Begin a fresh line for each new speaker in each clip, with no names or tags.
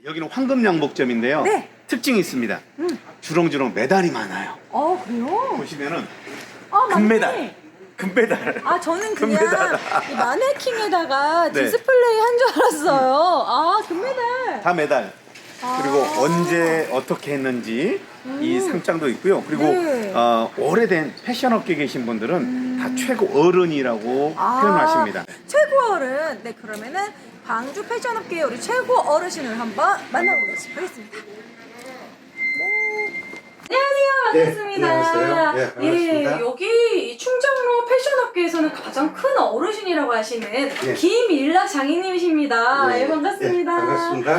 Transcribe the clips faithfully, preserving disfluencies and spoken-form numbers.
여기는 황금양복점인데요.
네.
특징이 있습니다.
음.
주렁주렁 메달이 많아요.
어, 그래요?
보시면은
아, 맞네.
금메달, 금메달.
아, 저는 그냥
금메달.
이 마네킹에다가
네.
디스플레이 한 줄 알았어요. 아, 금메달.
다 메달.
아.
그리고 언제 어떻게 했는지 이 상장도 있고요. 그리고
네.
어, 오래된 패션업계에 계신 분들은
음.
다 최고 어른이라고
아,
표현하십니다.
최고 어른. 네, 그러면은 광주 패션업계의 우리 최고 어르신을 한번 만나보겠습니다. 하겠습니다. 네. 안녕하세요. 반갑습니다.
네, 안녕하세요. 예, 반갑습니다.
예, 여기 이 충정로 패션업계에서는 가장 큰 어르신이라고 하시는
예.
김일락 장인님이십니다. 예, 반갑습니다.
예, 반갑습니다.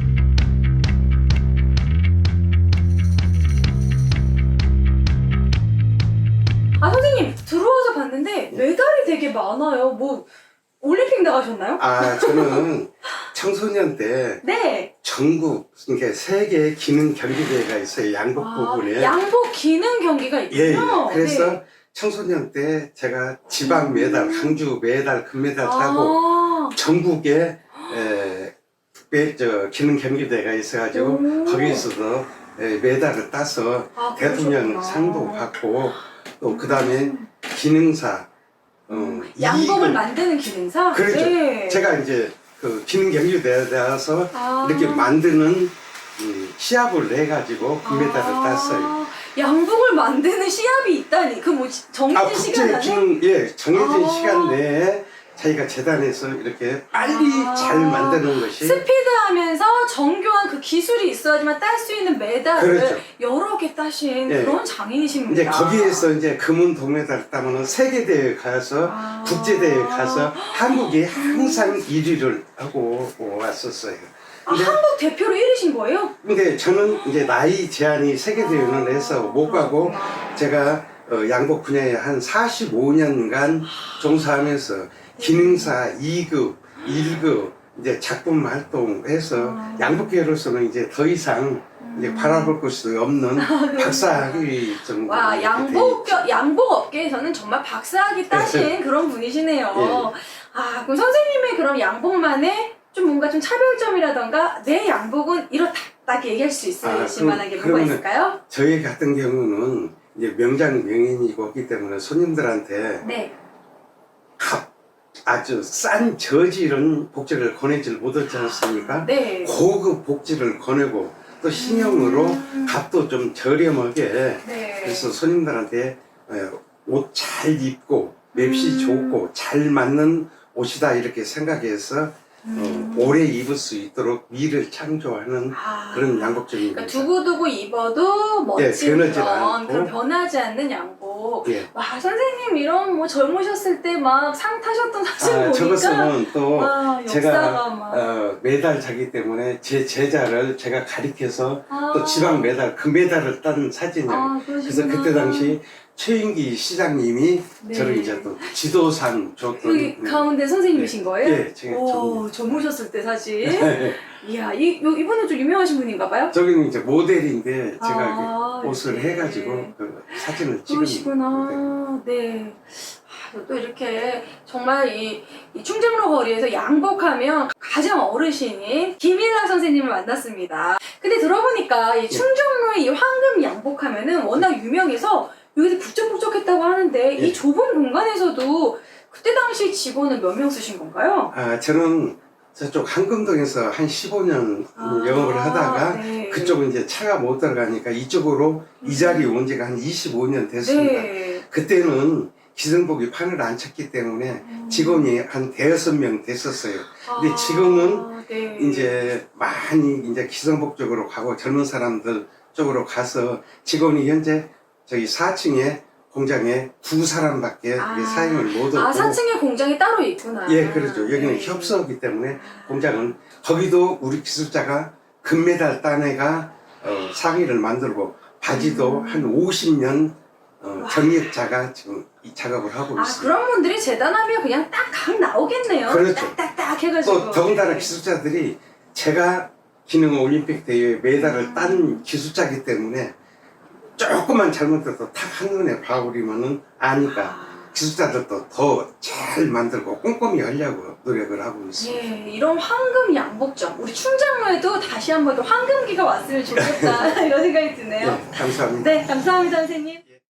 아, 선생님 들어와서 봤는데 메달이 되게 많아요. 뭐 올림픽 나가셨나요?
아, 저는 청소년 때
네.
전국, 그러니까 세계 기능 경기대회가 있어요. 양복 부분에.
아, 양복 기능 경기가
예, 예.
있군요.
그래서
네.
청소년 때 제가 지방 메달, 강주 메달, 금메달 따고
아,
전국에 에, 매- 저 기능 경기대회가 있어가지고
오.
거기에서도 에, 메달을 따서
아,
대통령
그러셨구나.
상도 받고 또 그 다음에 기능사 어,
양복을
이익을-
만드는 기능사?
그렇죠.
네.
제가 이제 그 기능 경기대회에 대해서
아.
이렇게 만드는 음, 시합을 해가지고 금메달을
아,
땄어요.
양복을 만드는 시합이 있다니. 그 뭐 정해진
아,
시간
국제
안에?
기능, 예, 정해진
아.
시간 내에 자기가 재단에서 이렇게 빨리
아.
잘 만드는 것이
스피드하면서 정교한 그 기술이 있어야지만 딸 수 있는 메달을
그렇죠.
여러 개 따신
예.
그런 장인이십니다.
이제 거기에서 이제 금은 동메달을 따면은 세계대회 가서
아.
국제대회 가서 한국이 항상 일 위를 하고 왔었어요.
아,
근데
한국 대표로 일 위신 거예요?
근데 저는 이제 나이 제한이 세계대회는 해서 못 가고
그렇구나.
제가 어, 양복 분야에 한 사십오 년간 종사하면서 기능사 이 급, 일 급 이제 작품 활동해서
아.
양복계로서는 이제 더 이상 이제 바라볼 곳이 없는 박사학위 정도.
와,
이렇게
양복,
돼 있죠.
양복 업계에서는 정말 박사학위 따신 그런 분이시네요.
예.
아, 그럼 선생님의 그런 양복만의 좀 뭔가 좀 차별점이라던가 내 양복은 이렇다 딱 얘기할 수 있으실
아, 그럼-
만한 게 뭐가
그러면은
있을까요?
저희 같은 경우는 이제 명장 명인이고 있기 때문에 손님들한테
네.
값 아주 싼 저질은 복지를 권해질 못하지 않습니까?
네.
고급 복지를 권하고 또 신형으로
음.
값도 좀 저렴하게
네.
그래서 손님들한테 옷 잘 입고 맵시
음.
좋고 잘 맞는 옷이다 이렇게 생각해서
음.
어, 오래 입을 수 있도록 미를 창조하는
아.
그런 양복점입니다.
그러니까 두고두고 입어도
예,
멋진
변하지
그런,
않고.
그런 변하지 않는 양복.
예.
와, 선생님 이런 뭐 젊으셨을 때 막 상 타셨던 사진
아,
보니까
저것은 또
와, 역사가
제가
막.
어, 메달 자기 때문에 제 제자를 제가 가리켜서
아.
또 지방 메달 금메달을 딴 사진이에요.
아,
그래서
그러시구나.
그때 당시 최인기 시장님이
네.
저를 이제 또 지도상 줬던
여기 가운데 선생님이신
네.
거예요?
예, 제가
오, 젊으셨을 때 사진.
네.
이야, 이, 요, 이분은 좀 유명하신 분인가 봐요?
저기는 이제 모델인데 제가
아,
이렇게 옷을
이렇게.
해가지고 그 사진을 찍은
그러시구나. 네. 아, 또 이렇게 정말 이, 이 충정로 거리에서 양복하면 가장 어르신인 김일락 선생님을 만났습니다. 근데 들어보니까 이 충정로의 이 황금 양복하면은 워낙 유명해서 여기서 북적북적했다고 하는데
예.
이 좁은 공간에서도 그때 당시 직원은 몇 명 쓰신 건가요?
아 저는 저쪽 한금동에서 한 십오 년
아,
영업을 하다가
네.
그쪽은 이제 차가 못 들어가니까 이쪽으로 이 자리에 온 지가 한 이십오 년 됐습니다.
네.
그때는 기성복이 판을 안 찼기 때문에
음.
직원이 한 대여섯 명 됐었어요. 근데
아,
지금은
네.
이제 많이 이제 기성복 쪽으로 가고 젊은 사람들 쪽으로 가서 직원이 현재 저기 사 층에 공장에 두 사람밖에
아.
이게 사용을 못 하고
아, 사 층에 공장이 따로 있구나.
예, 그렇죠. 여기는
네.
협소하기 때문에 공장은 거기도 우리 기술자가 금메달 딴 애가 어, 상의를 만들고 바지도
음.
한 오십 년 어, 경력자가 지금 이 작업을 하고
아,
있습니다.
그런 분들이 재단하면 그냥 딱 각 나오겠네요.
그렇죠.
딱딱딱 해가지고.
또 더군다나
네.
기술자들이 제가 기능 올림픽 대회에 메달을 딴 기술자이기 때문에 조금만 잘못해도 탁 한눈에 봐버리면은 아니까 기술자들도 더 잘 만들고 꼼꼼히 하려고 노력을 하고 있습니다.
예, 이런 황금 양복점 우리 충장로에도 다시 한번 또 황금기가 왔으면 좋겠다 이런 생각이 드네요.
예, 감사합니다.
네, 감사합니다 선생님.